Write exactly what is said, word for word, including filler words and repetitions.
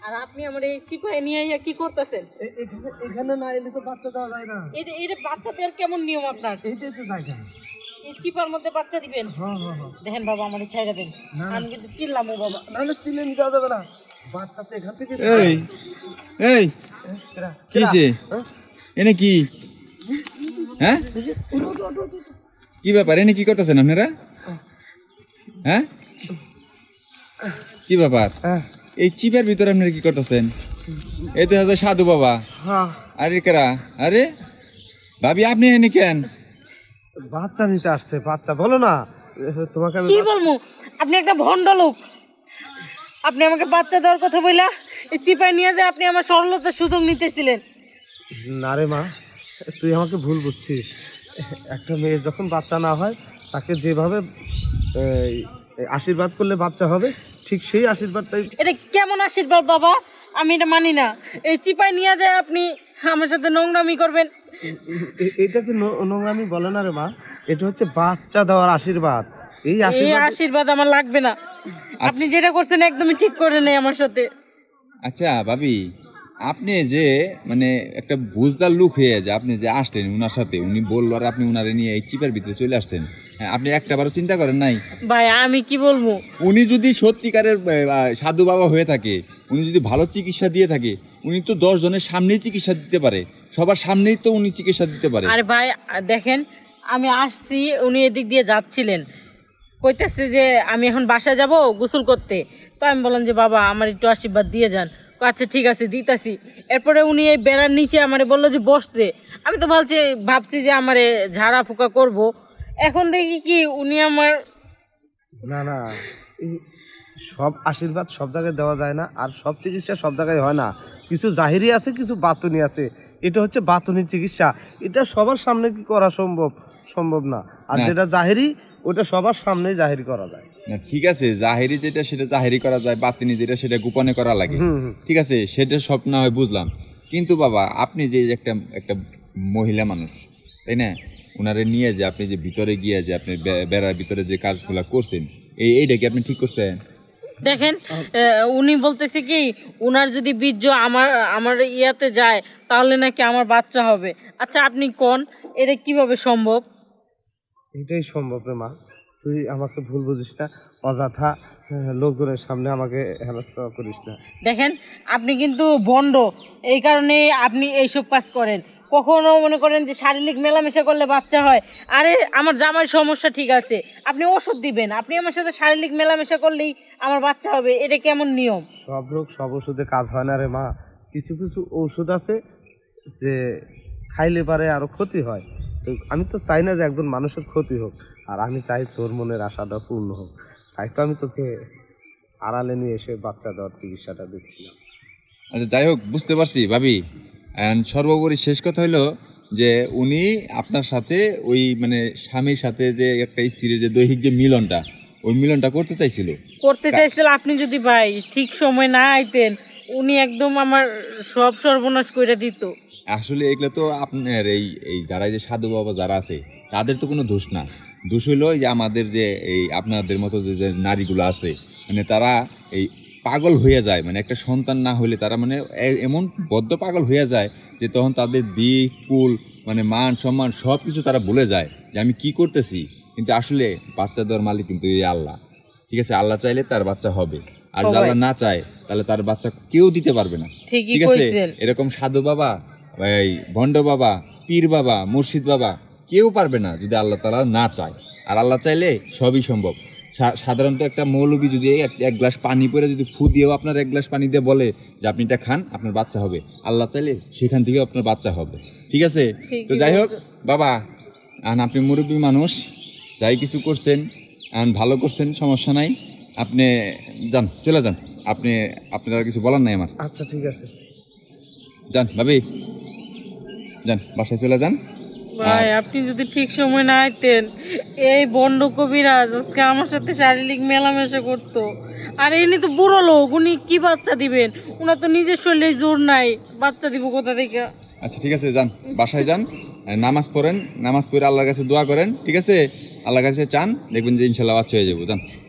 আর আপনি আমার এই চিপায় নিয়ে আইয়া কি করতেছেন? এখানে এখানে না এলে তো বাচ্চা দেওয়া যায় না। এটা এটা বাচ্চা দেওয়ার কেমন নিয়ম আপনার? এইটাই তো জায়গা। এই চিপার মধ্যে বাচ্চা দিবেন? হ্যাঁ হ্যাঁ হ্যাঁ। দেখেন বাবা আমার ছাইড়া দেন, আমি কিন্তু চিল্লামু বাবা। না না চিনে নিতে দেবে না, বাচ্চা তো এখান থেকে। এই এই কিছে এনে কি হ্যাঁ কি ব্যাপার এনে কি করতেছেন আপনারা? হ্যাঁ কি ব্যাপার? এই চিপের ভিতরে আপনারা কি করতেছেন? এই তো হচ্ছে সাধু বাবা। আরে কারা? আরে ভাবি আপনি এনে কেন? বাচ্চা নিতে আসছে। বাচ্চা বলো না তোমাকে আমি কি বলবো, আপনি একটা ভণ্ড লোক। আপনি আমাকে বাচ্চা দেওয়ার কথা বইলা এই চিপায় নিয়ে যায় আপনি আমার সরলতার সুযোগ নিতেছিলেন। না রে মা, তুই আমাকে ভুল বুঝছিস। একটা মেয়ের যখন বাচ্চা না হয় তাকে যেভাবে এই, আশীর্বাদ করলে বাচ্চা হবে, ঠিক সেই আশীর্বাদটাই। এটা কেমন আশীর্বাদ বাবা? আমি এটা মানি না। এই চিপায় নিয়ে যায় আপনি আমার সাথে নোংরামি করবেন। এ- এটাকে নো- নোংরামি বলে না রে মা, এটা হচ্ছে বাচ্চা দেওয়ার আশীর্বাদ। এই এই আশীর্বাদ আশীর্বাদ আমার লাগবে না। আপনি যেটা করছেন একদমই ঠিক করে নেই আমার সাথে। আচ্ছা ভাবি, আপনি যে মানে একটা বুঝদার লোক হয়ে যে আপনি যে আসলেন উনার সাথে, উনি বললো আর আপনি উনারে নিয়ে এই চিপার ভিতরে চলে আসছেন, হ্যাঁ আপনি একটাবারও চিন্তা করেন নাই? ভাই আমি কি বলবো, উনি যদি সত্যিকারের আহ, সাধু বাবা হয়ে থাকে, উনি যদি ভালো চিকিৎসা দিয়ে থাকে, উনি তো দশ জনের সামনেই চিকিৎসা দিতে পারে, সবার সামনেই তো উনি চিকিৎসা দিতে পারে। আরে ভাই দেখেন আমি আসছি, উনি এদিক দিয়ে যাচ্ছিলেন, কইতেছে যে আমি এখন বাসায় যাব গোসল করতে। তো আমি বললাম যে বাবা আমার একটু আশীর্বাদ দিয়ে যান। ও আচ্ছা ঠিক আছে দিতাছি। এরপরে উনি এই বেড়ার নিচে আমারে বললো যে বসতে। আমি তো ভাবছি ভাবছি যে আমারে ঝাড়া ফুকা করব। এখন দেখি কি উনি আমার না না, এই সব আশীর্বাদ সব জায়গায় দেওয়া যায় না, আর সব চিকিৎসা সব জায়গায় হয় না। কিছু জাহিরি আছে, কিছু বাতুনি আছে। এটা হচ্ছে বাতুনি চিকিৎসা, এটা সবার সামনে কি করা সম্ভব? সম্ভব না। আর না। যেটা জাহিরি ওটা সবার সামনেই জাহিরি করা যায়। না ঠিক আছে, জাহেরি যেটা সেটা জাহেরি করা যায়, বাতিনি যেটা সেটা গোপনে করা লাগে। হুম হুম। ঠিক আছে, সেটা সব না হয় বুঝলাম, কিন্তু বাবা আপনি যে একটা একটা মহিলা মানুষ, তাই না? ওনারে নিয়ে যে আপনি যে ভিতরে গিয়ে যে আপনি বে- বেড়ার ভিতরে যে কাজগুলো করছেন, এই এইটা কি আপনি ঠিক করছেন? দেখেন আহ, উনি বলতেছে কি উনার যদি বীর্য আমার আমার ইয়াতে যায় তাহলে নাকি আমার বাচ্চা হবে। আচ্ছা আপনি কোন এটা কিভাবে সম্ভব? এটাই সম্ভব রে মা, তুই আমাকে ভুল বুঝিস না। অযথা আহ, লোকজনের সামনে আমাকে হেনস্থা করিস না। দেখেন আপনি কিন্তু ভণ্ড, এই কারণে আপনি এইসব কাজ করেন। কখনো মনে করেন যে শারীরিক মেলামেশা করলে বাচ্চা হয়। আরে আমার জামার সমস্যা ঠিক আছে, আপনি ওষুধ দিবেন, আপনি আমার সাথে শারীরিক মেলামেশা করলেই আমার বাচ্চা হবে, এটা কেমন নিয়ম? সব রোগ সব ওষুধে কাজ হয় না রে মা। কিছু কিছু ঔষধ আছে যে খাইলে পারে আরো ক্ষতি হয়। তো আমি তো চাই না যে একজন মানুষের ক্ষতি হোক, আর আমি চাই তোর মনের আশাটা পূর্ণ হোক। তাই তো আমি তোকে আড়ালে নিয়ে এসে বাচ্চা দেওয়ার চিকিৎসাটা দিচ্ছিলাম। আচ্ছা যাই হোক, বুঝতে পারছি ভাবি। And সর্বোপরি শেষ কথা হলো যে উনি আপনার সাথে ওই মানে স্বামীর সাথে যে একটা স্ত্রীর যে দৈহিক যে মিলনটা, ওই মিলনটা করতে চাইছিল। করতে চাইছিল। আপনি যদি ভাই ঠিক সময় না আইতেন উনি একদম আমার সব সর্বনাশ করে দিত। আসলে এগুলো তো আপনার এই এই যারা এই যে সাধু বাবা যারা আছে তাদের তো কোনো দোষ না। দোষ হইলো যে আমাদের যে এই আপনাদের মতো যে যে নারীগুলো আছে, মানে তারা এই পাগল হয়ে যায়, মানে একটা সন্তান না হলে তারা মানে এ- এমন বদ্ধ পাগল হয়ে যায় যে তখন তাদের দিক কুল মানে মান সম্মান সব কিছু তারা ভুলে যায় যে আমি কি করতেছি। কিন্তু আসলে বাচ্চা দেওয়ার মালিক কিন্তু এই আল্লাহ। ঠিক আছে, আল্লাহ চাইলে তার বাচ্চা হবে, আর যদি আল্লাহ না চায় তাহলে তার বাচ্চা কেউ দিতে পারবে না। ঠিকই ঠিক আছে, কইছেন। এরকম সাধু বাবা, এই ভণ্ড বাবা, পীর বাবা, মুর্শিদ বাবা কেউ পারবে না যদি আল্লাহ তাআলা না চায়। আর আল্লাহ চাইলে সবই সম্ভব। সা- সাধারণত একটা মৌলবী যদি এক এক গ্লাস পানি পরে যদি ফু দিয়েও আপনার এক গ্লাস পানি দিয়ে বলে যে আপনি এটা খান আপনার বাচ্চা হবে, আল্লাহ চাইলে সেখান থেকেও আপনার বাচ্চা হবে। ঠিক আছে, ঠিকই তো যাই হোক বলছো। বাবা, আন আপনি মুরব্বী মানুষ, যাই কিছু করছেন আন ভালো করছেন, সমস্যা নাই। আপনি যান, চলে যান। আপনি আপনার আর কিছু বলার নাই আমার। আচ্ছা ঠিক আছে। যান ভাবি, যান বাসায় চলে যান। ভাই আপনি যদি ঠিক সময় না আইতেন এই বন্ড কবিরাজ আজকে আমার সাথে শারীরিক মেলামেশা করতো। আর ইনি তো বুড়ো লোক, উনি কি বাচ্চা দিবেন? ওনার তো নিজের শরীরে জোর নাই, বাচ্চা দিব কোথা থেকে? আচ্ছা ঠিক আছে, যান বাসায় যান, আর নামাজ পড়েন, নামাজ পড়ে আল্লাহর কাছে দোয়া করেন। ঠিক আছে, আল্লাহর কাছে চান, দেখবেন যে ইনশাল্লাহ বাচ্চা হয়ে যাবো। যান।